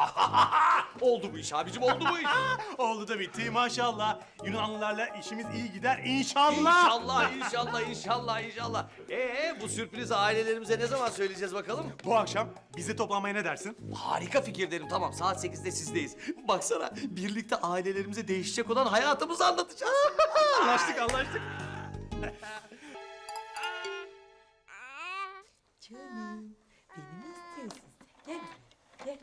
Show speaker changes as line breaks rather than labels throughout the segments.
Oldu bu iş abicim, oldu bu iş.
Oldu da bitti maşallah. Yunanlılarla işimiz iyi gider inşallah.
İnşallah, inşallah, inşallah, inşallah. Bu sürpriz ailelerimize ne zaman söyleyeceğiz bakalım?
Bu akşam bizi toplanmaya ne dersin?
Harika fikir derim, tamam. Saat 8'de sizdeyiz. Baksana, birlikte ailelerimize değişecek olan hayatımızı anlatacağız.
Anlaştık anlaştık.
Canım, beni mi istiyorsun sen? Gel, gel.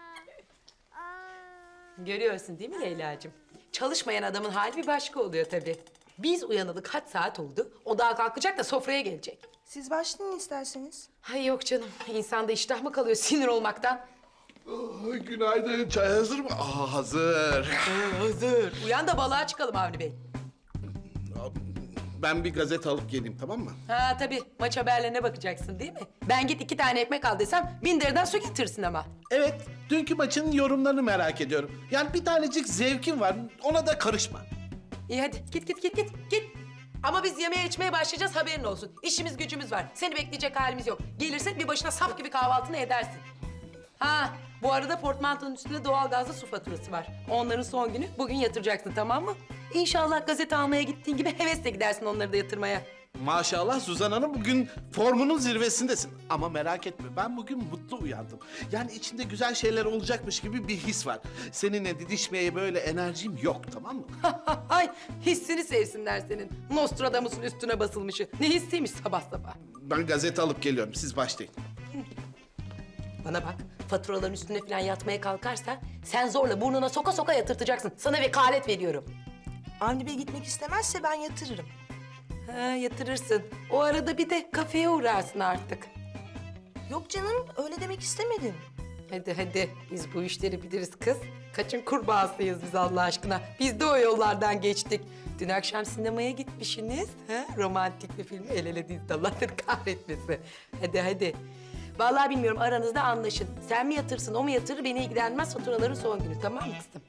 Görüyorsun değil mi Leyla'cığım? Çalışmayan adamın hali bir başka oluyor tabii. Biz uyanalı kaç saat oldu? O daha kalkacak da sofraya gelecek.
Siz başlayın isterseniz.
Hay yok canım, insanda iştah mı kalıyor sinir olmaktan?
Günaydın. Çay hazır mı? Hazır.
Hazır. Uyan da balığa çıkalım Avni Bey.
Ben bir gazete alıp geleyim, tamam mı?
Ha tabii, maç haberlerine bakacaksın değil mi? Ben git 2 tane ekmek al desem 1000 liradan su getirsin ama.
Evet, dünkü maçın yorumlarını merak ediyorum. Yani bir tanecik zevkim var, ona da karışma.
İyi hadi git. Ama biz yemeğe içmeye başlayacağız haberin olsun. İşimiz gücümüz var. Seni bekleyecek halimiz yok. Gelirsen bir başına sap gibi kahvaltını edersin. Ha bu arada portmantonun üstünde doğalgazlı su faturası var. Onların son günü bugün yatıracaksın tamam mı? İnşallah gazete almaya gittiğin gibi hevesle gidersin onları da yatırmaya.
Maşallah Suzan Hanım, bugün formunun zirvesindesin. Ama merak etme, ben bugün mutlu uyandım. Yani içinde güzel şeyler olacakmış gibi bir his var. Seninle didişmeye böyle enerjim yok, tamam mı?
Ay hissini sevsinler senin. Nostradamus'un üstüne basılmışı. Ne hissiymiş sabah sabah.
Ben gazete alıp geliyorum, siz başlayın.
Bana bak, faturaların üstüne falan yatmaya kalkarsa sen zorla burnuna soka soka yatırtacaksın. Sana vekalet veriyorum.
Avni Bey gitmek istemezse ben yatırırım.
Ha yatırırsın. O arada bir de kafeye uğrarsın artık.
Yok canım, öyle demek istemedim.
Hadi biz bu işleri biliriz kız. Kaçın kurbağasıyız biz Allah aşkına. Biz de o yollardan geçtik. Dün akşam sinemaya gitmişsiniz. Ha? Romantik bir film el ele dizdi Allah seni kahretmesin. Hadi. Vallahi bilmiyorum aranızda anlaşın. Sen mi yatırsın o mu yatırır beni ilgilenmez faturaların son günü tamam mı kızım?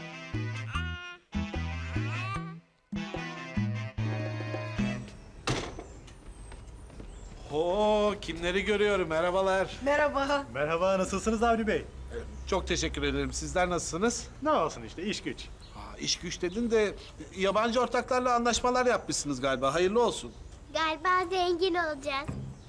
Kimleri görüyorum, merhabalar.
Merhaba.
Merhaba nasılsınız Avni Bey?
Çok teşekkür ederim, sizler nasılsınız?
Ne olsun işte iş güç.
İş güç dedin de yabancı ortaklarla anlaşmalar yapmışsınız galiba. Hayırlı olsun.
Galiba zengin olacağız.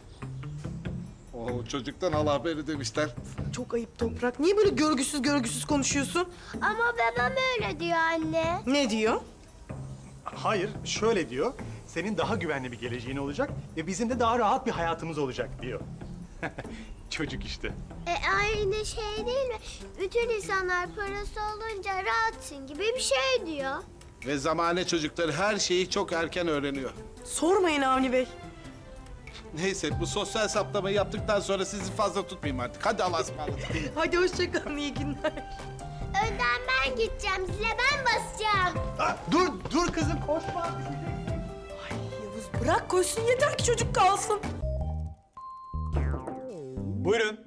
Çocuktan al haberi demişler.
Çok ayıp Toprak. Niye böyle görgüsüz konuşuyorsun?
Ama babam öyle diyor anne.
Ne diyor?
Hayır şöyle diyor. Senin daha güvenli bir geleceğin olacak ve bizim de daha rahat bir hayatımız olacak diyor. Çocuk işte.
Aynı şey değil mi? Bütün insanlar parası olunca rahatsın gibi bir şey diyor.
Ve zamane çocukları her şeyi çok erken öğreniyor.
Sormayın Avni Bey.
Neyse, bu sosyal saptamayı yaptıktan sonra sizi fazla tutmayayım artık. Hadi Allah'a ısmarladık.
Hadi hoşça kalın, iyi günler.
Önden ben gideceğim, zile ben basacağım.
Dur kızım koşma.
Yavuz bırak koşsun yeter ki çocuk kalsın.
Buyurun.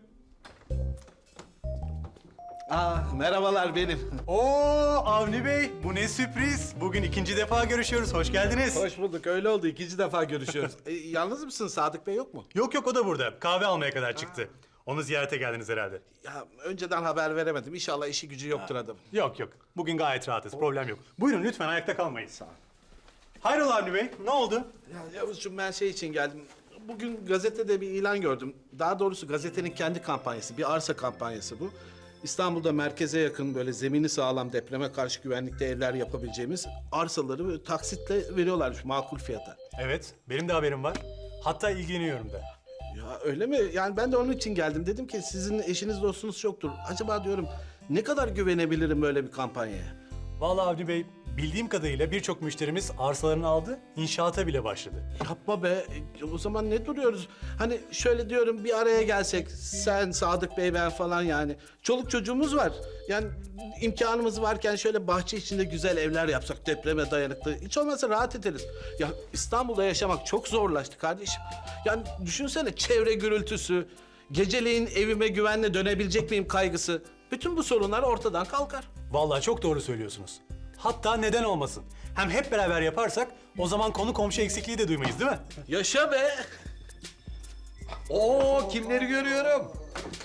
Merhabalar benim.
Oo Avni Bey bu ne sürpriz. Bugün ikinci defa görüşüyoruz. Hoş geldiniz.
Hoş bulduk, öyle oldu. İkinci defa görüşüyoruz. Yalnız mısın? Sadık Bey yok mu?
Yok o da burada. Kahve almaya kadar çıktı. Onu ziyarete geldiniz herhalde.
Ya önceden haber veremedim. İnşallah işi gücü yoktur adamın.
Yok. Bugün gayet rahatız. Problem yok. Buyurun lütfen ayakta kalmayın. Sağ olun. Hayrola Avni Bey? Ne oldu?
Ya Yavuzcuğum, ben şey için geldim. Bugün gazetede bir ilan gördüm. Daha doğrusu gazetenin kendi kampanyası. Bir arsa kampanyası bu. İstanbul'da merkeze yakın böyle zemini sağlam depreme karşı güvenlikte evler yapabileceğimiz arsaları böyle taksitle veriyorlarmış makul fiyata.
Evet, benim de haberim var. Hatta ilgileniyorum da.
Ya öyle mi? Yani ben de onun için geldim. Dedim ki sizin eşiniz dostunuz çoktur. Acaba diyorum ne kadar güvenebilirim böyle bir kampanyaya?
Vallahi Avni Bey, bildiğim kadarıyla birçok müşterimiz arsalarını aldı, inşaata bile başladı.
Yapma be. O zaman ne duruyoruz? Hani şöyle diyorum, bir araya gelsek. Sen, Sadık Bey, ben falan yani. Çoluk çocuğumuz var. Yani imkanımız varken şöyle bahçe içinde güzel evler yapsak, depreme dayanıklı. Hiç olmazsa rahat ederiz. Ya İstanbul'da yaşamak çok zorlaştı kardeşim. Yani düşünsene, çevre gürültüsü, geceleyin evime güvenle dönebilecek miyim kaygısı. Bütün bu sorunlar ortadan kalkar.
Vallahi çok doğru söylüyorsunuz. Hatta neden olmasın? Hem hep beraber yaparsak o zaman konu komşu eksikliği de duymayız değil mi?
Yaşa be!
Kimleri görüyorum?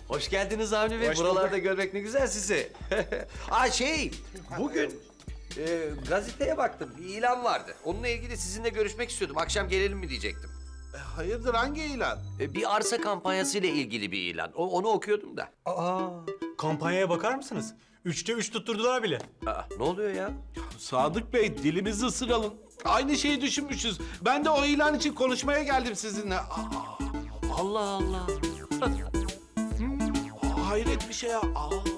Hoş geldiniz Avni Bey.
Hoş
Buralarda
bulduk.
görmek ne güzel sizi. Bugün gazeteye baktım. Bir ilan vardı. Onunla ilgili sizinle görüşmek istiyordum. Akşam gelelim mi diyecektim.
Hayırdır, hangi ilan?
Bir arsa kampanyası ile ilgili bir ilan. Onu okuyordum da.
Aa, kampanyaya bakar mısınız? 3'te 3 tutturdular bile.
Ne oluyor ya?
Sadık Bey, dilimizi ısıralım. Aynı şeyi düşünmüşüz. Ben de o ilan için konuşmaya geldim sizinle.
Allah Allah.
Hayret bir şey ya.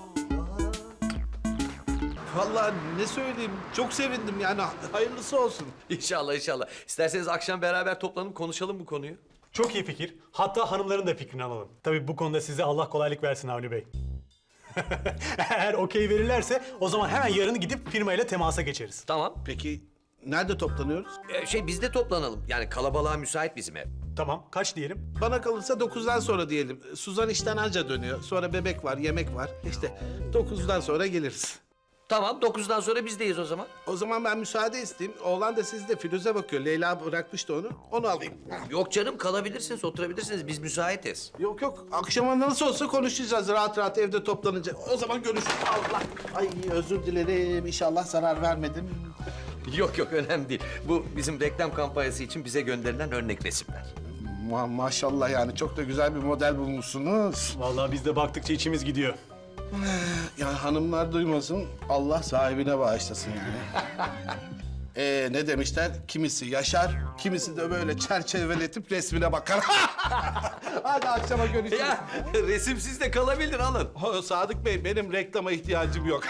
Vallahi ne söyleyeyim, çok sevindim yani. Hayırlısı olsun.
İnşallah inşallah. İsterseniz akşam beraber toplanıp konuşalım bu konuyu.
Çok iyi fikir. Hatta hanımların da fikrini alalım. Tabii bu konuda size Allah kolaylık versin Avni Bey. Eğer okey verirlerse o zaman hemen yarın gidip firmayla temasa geçeriz.
Tamam.
Peki nerede toplanıyoruz?
Biz de toplanalım. Yani kalabalığa müsait bizim ev.
Tamam, kaç diyelim?
Bana kalırsa 9'dan sonra diyelim. Suzan işten anca dönüyor. Sonra bebek var, yemek var. İşte 9'dan sonra geliriz.
Tamam 9'dan sonra bizdeyiz o zaman.
O zaman ben müsaade isteyeyim. Oğlan da sizde, Firuze bakıyor. Leyla bırakmıştı onu. Onu alayım.
Yok canım kalabilirsiniz, oturabilirsiniz. Biz müsaitiz.
Yok yok. Akşama nasıl olsa konuşacağız rahat rahat evde toplanınca. O zaman görüşürüz. Allah. Ay özür dilerim. İnşallah zarar vermedim.
Yok yok önemli değil. Bu bizim reklam kampanyası için bize gönderilen örnek resimler.
Maşallah yani çok da güzel bir model bulmuşsunuz.
Vallahi biz de baktıkça içimiz gidiyor.
Ya hanımlar duymasın, Allah sahibine bağışlasın yani. Ne demişler? Kimisi yaşar, kimisi de böyle çerçeveletip resmine bakar. Hadi akşama görüşürüz.
Ya resimsiz de kalabilir alın.
Sadık Bey, benim reklama ihtiyacım yok.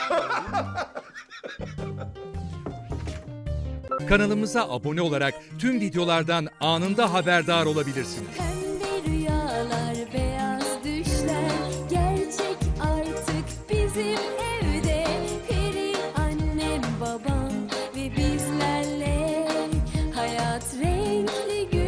Kanalımıza abone olarak tüm videolardan anında haberdar olabilirsiniz.
Pembe rüyalar, beyaz düşler gerçek artık bizim evde. Peri annem, babam ve bizlerle hayat renkli